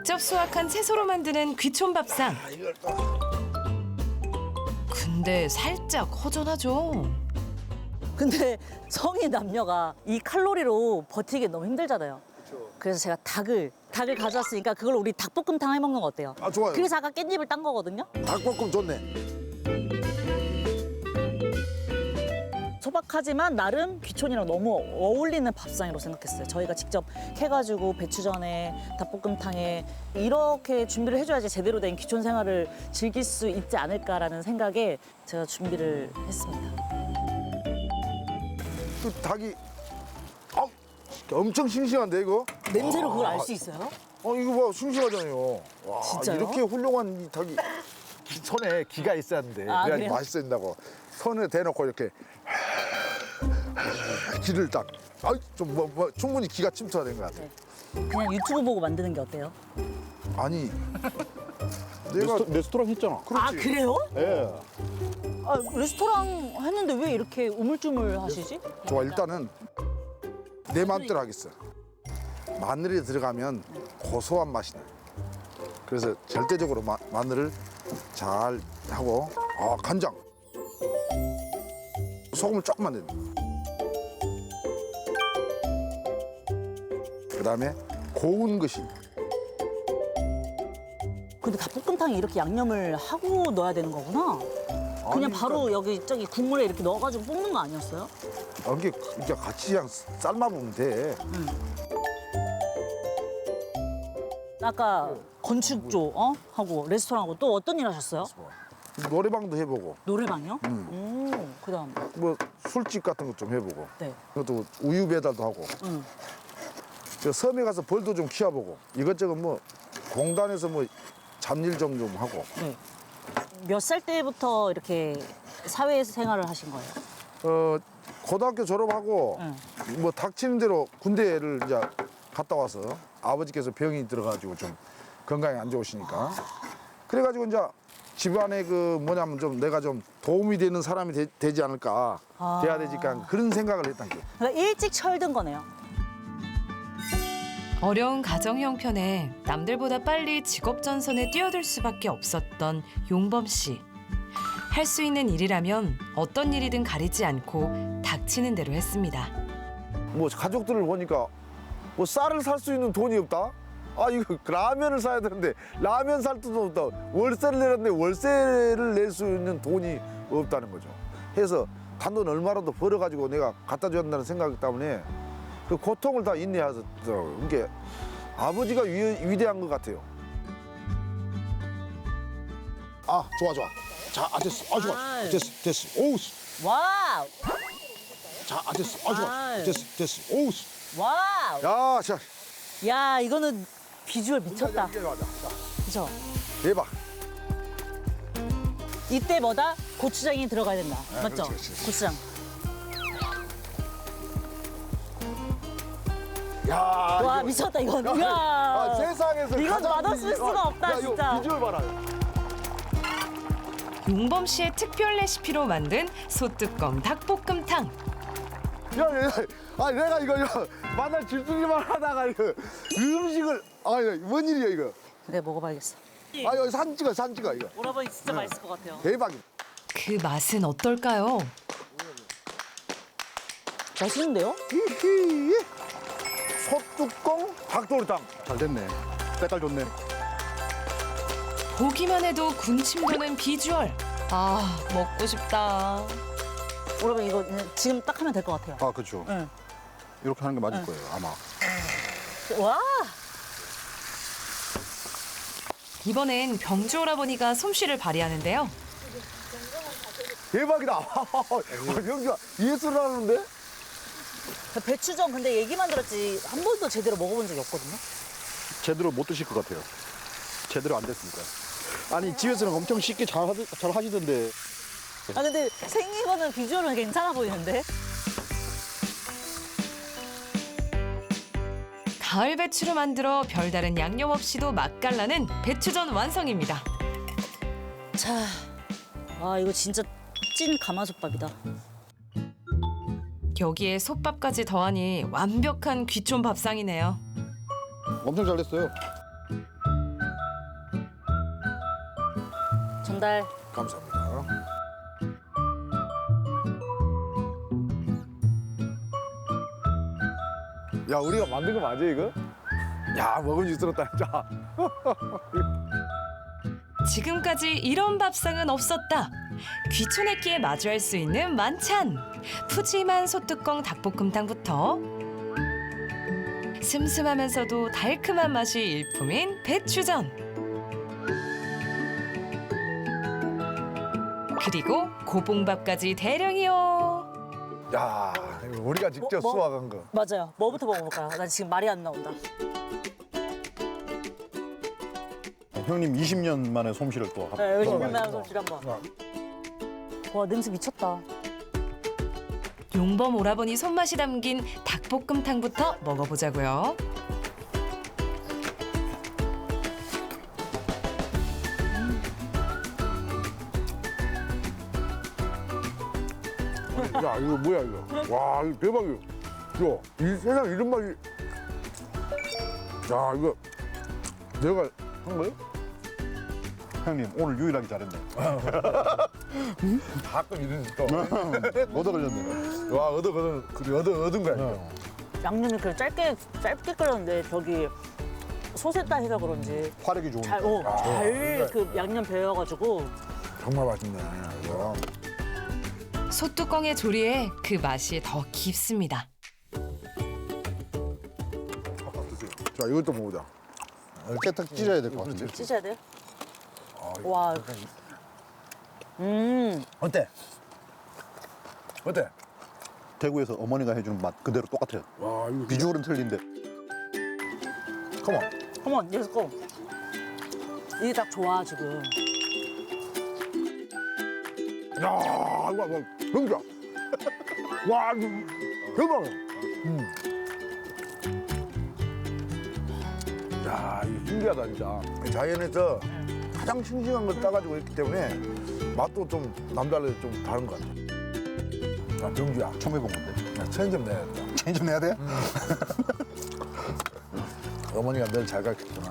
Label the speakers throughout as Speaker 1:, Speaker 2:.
Speaker 1: 직접 수확한 채소로 만드는 귀촌밥상. 근데 살짝 허전하죠.
Speaker 2: 근데 성인 남녀가 이 칼로리로 버티기 너무 힘들잖아요. 그래서 제가 닭을 가져왔으니까 그걸 우리 닭볶음탕 해 먹는 거 어때요?
Speaker 3: 아, 좋아요.
Speaker 2: 그래서 아까 깻잎을 딴 거거든요.
Speaker 3: 닭볶음 좋네.
Speaker 2: 소박하지만 나름 귀촌이랑 너무 어울리는 밥상이라고 생각했어요. 저희가 직접 해가지고 배추전에 닭볶음탕에 이렇게 준비를 해줘야지 제대로 된 귀촌 생활을 즐길 수 있지 않을까라는 생각에 제가 준비를 했습니다.
Speaker 3: 그 닭이 엄청 싱싱한데 이거?
Speaker 2: 냄새로 그걸 알 수 있어요?
Speaker 3: 이거 봐 싱싱하잖아요. 와,
Speaker 2: 진짜요?
Speaker 3: 이렇게 훌륭한 이 닭이
Speaker 4: 손에 기가 있어야 하는데.
Speaker 2: 아,
Speaker 3: 그래야지
Speaker 2: 그래요?
Speaker 3: 맛있어진다고. 손에 대놓고 이렇게 기를 딱. 좀 충분히 기가 침투가 된 것 같아.
Speaker 2: 그냥 유튜브 보고 만드는 게 어때요?
Speaker 3: 아니 내가
Speaker 4: 레스토랑 했잖아.
Speaker 2: 아 그래요?
Speaker 4: 예.
Speaker 2: 아, 레스토랑 했는데 왜 이렇게 우물쭈물 하시지?
Speaker 3: 좋아 일단은 내 마음대로 하겠어. 마늘이 들어가면 고소한 맛이 나. 그래서 절대적으로 마늘을 잘 하고 간장 소금을 조금만 넣어. 그다음에 고운 것이
Speaker 2: 근데 닭볶음탕에 이렇게 양념을 하고 넣어야 되는 거구나. 그냥
Speaker 3: 아니,
Speaker 2: 바로 여기 저기 국물에 이렇게 넣어가지고 볶는 거 아니었어요?
Speaker 3: 이게 같이 그냥 삶아보면 돼.
Speaker 2: 아까 건축조 하고 레스토랑하고 또 어떤 일 하셨어요?
Speaker 3: 노래방도 해보고
Speaker 2: 노래방이요? 그다음
Speaker 3: 뭐 술집 같은 것 좀 해보고
Speaker 2: 네.
Speaker 3: 그것도 우유 배달도 하고
Speaker 2: 음.
Speaker 3: 저 섬에 가서 벌도 좀 키워보고 이것저것 뭐 공단에서 뭐 잡일 좀 하고
Speaker 2: 네. 몇 살 때부터 이렇게 사회생활을 하신 거예요?
Speaker 3: 고등학교 졸업하고 뭐 닥치는 대로 군대를 이제 갔다 와서 아버지께서 병이 들어가지고 좀 건강이 안 좋으시니까 그래가지고 이제 집안에 그 뭐냐면 좀 내가 좀 도움이 되는 사람이 되지 않을까 돼야 되니까 그런 생각을 했던 게.
Speaker 2: 그러니까 일찍 철든 거네요.
Speaker 1: 어려운 가정 형편에 남들보다 빨리 직업 전선에 뛰어들 수밖에 없었던 용범 씨. 할 수 있는 일이라면 어떤 일이든 가리지 않고 닥치는 대로 했습니다.
Speaker 4: 뭐 가족들을 보니까 뭐 쌀을 살 수 있는 돈이 없다. 이거 라면을 사야 되는데 라면 살 돈도 없다. 월세를 내는데 월세를 낼 수 있는 돈이 없다는 거죠. 해서 단돈 얼마라도 벌어가지고 내가 갖다 줘야 한다는 생각 때문에 그 고통을 다 인내하더라고요. 이게 아버지가 위대한 것 같아요.
Speaker 3: 좋아. 자, 됐어. 좋아.
Speaker 2: 아유.
Speaker 3: 됐어. 오우.
Speaker 2: 와우!
Speaker 3: 자, 됐어. 좋아.
Speaker 2: 아유.
Speaker 3: 됐어. 오우.
Speaker 2: 와우!
Speaker 3: 야, 자.
Speaker 2: 야, 이거는 비주얼 미쳤다.
Speaker 3: 이제 맞아. 자,
Speaker 2: 그죠?
Speaker 3: 대박.
Speaker 2: 이때 뭐다? 고추장이 들어가야 된다. 맞죠?
Speaker 3: 그렇지.
Speaker 2: 고추장.
Speaker 3: 야,
Speaker 2: 와,
Speaker 3: 이거-
Speaker 2: 미쳤다, 이건. 이야.
Speaker 3: 세상에서
Speaker 2: 이건
Speaker 3: 가장
Speaker 2: 맛없을 수가 없다,
Speaker 3: 이거
Speaker 2: 진짜.
Speaker 3: 비주얼 봐라.
Speaker 1: 용범 씨의 특별 레시피로 만든 소뚜껑 닭볶음탕.
Speaker 3: 내가 이거 만날 질투기만 하다가 이거 음식을 뭔 일이야 이거?
Speaker 2: 내가 먹어봐야겠어.
Speaker 3: 여기 산 찍어 이거.
Speaker 2: 오라버니 진짜 맛있을 것 같아요.
Speaker 3: 대박이.
Speaker 1: 그 맛은 어떨까요?
Speaker 2: 맛있는데요?
Speaker 3: 히히. 소뚜껑 닭도리탕.
Speaker 4: 잘 됐네. 색깔 좋네.
Speaker 1: 보기만 해도 군침 도는 비주얼. 먹고 싶다.
Speaker 2: 오라버니 이거 그냥 지금 딱 하면 될 것 같아요.
Speaker 4: 그렇죠.
Speaker 2: 응.
Speaker 4: 이렇게 하는 게 맞을 거예요, 아마.
Speaker 2: 와!
Speaker 1: 이번엔 병주 오라버니가 솜씨를 발휘하는데요.
Speaker 3: 대박이다. 여기가 예술을 하는데?
Speaker 2: 배추전 근데 얘기만 들었지 한 번도 제대로 먹어본 적이 없거든요.
Speaker 4: 제대로 못 드실 것 같아요. 제대로 안 됐으니까. 아니, 집에서는 엄청 쉽게 잘 하시던데.
Speaker 2: 아 근데 생긴 거는 비주얼은 괜찮아 보이는데?
Speaker 1: 가을 배추로 만들어 별다른 양념 없이도 맛깔나는 배추전 완성입니다.
Speaker 2: 자, 이거 진짜 찐 가마솥밥이다.
Speaker 1: 여기에 솥밥까지 더하니 완벽한 귀촌 밥상이네요.
Speaker 4: 엄청 잘 됐어요.
Speaker 2: 전달.
Speaker 3: 감사합니다.
Speaker 4: 야 우리가 만든 거 맞아 이거? 야 먹음직스럽다 진짜.
Speaker 1: 지금까지 이런 밥상은 없었다. 귀촌의 끼에 마주할 수 있는 만찬. 푸짐한 소뚜껑 닭볶음탕부터 슴슴하면서도 달큼한 맛이 일품인 배추전. 그리고 고봉밥까지 대령이요.
Speaker 4: 야 이거 우리가 직접
Speaker 2: 뭐?
Speaker 4: 수확한 거.
Speaker 2: 맞아요. 뭐부터 먹어볼까요? 나 지금 말이 안 나온다.
Speaker 5: 형님 20년 만에 솜씨를 또
Speaker 2: 네, 여기
Speaker 5: 한번
Speaker 2: 신면 솜씨 한번. 와 냄새 미쳤다.
Speaker 1: 용범 오라버니 손맛이 담긴 닭볶음탕부터 먹어보자고요.
Speaker 3: 야 이거 뭐야 이거? 와 이거 대박이야. 야, 이 세상 이런 맛이. 야 이거 내가 한 거예요?
Speaker 5: 형님 오늘 유일하게 잘했네.
Speaker 3: 가끔 이런 또.
Speaker 5: 얻어 걸렸네.
Speaker 3: 와 얻은 거야.
Speaker 2: 양념이 그 짧게 끓였는데 저기 소세다 해서 그런지
Speaker 5: 화력이 좋으니까.
Speaker 2: 잘 그 양념 배어가지고
Speaker 3: 정말 맛있네. 이거.
Speaker 1: 소뚜껑의 조리에 그 맛이 더 깊습니다.
Speaker 3: 자 이것도 먹어보자.
Speaker 5: 이렇게 딱 찢어야 될 것 같은데.
Speaker 2: 찢어야 돼요? 와.
Speaker 3: 어때? 어때?
Speaker 5: 대구에서 어머니가 해주는 맛 그대로 똑같아요.
Speaker 3: 와 이거
Speaker 5: 비주얼은 틀린데.
Speaker 3: 컴온.
Speaker 2: 컴온, let's go. 이게 딱 좋아 지금.
Speaker 3: 야 이거 봐. 병자. 와 이거 대박이야. 야 이거 신기하다 진짜. 자연에서 가장 싱싱한 걸 따가지고 했기 때문에 맛도 좀 남달라서 좀 다른 것 같아. 야 병주야.
Speaker 5: 처음 해본 건데.
Speaker 3: 야, 체인 좀 내야겠다.
Speaker 5: 체인 좀 내야 돼?
Speaker 3: 어머니가 늘 잘 가르쳤구나.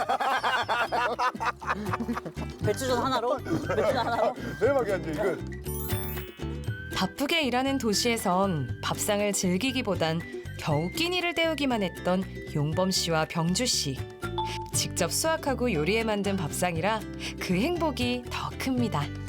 Speaker 2: 배추전 하나로? 배추전 하나로?
Speaker 3: 대박이야 이제 이거.
Speaker 1: 바쁘게 일하는 도시에선 밥상을 즐기기보단 겨우 끼니를 때우기만 했던 용범 씨와 병주 씨. 직접 수확하고 요리해 만든 밥상이라 그 행복이 더 큽니다.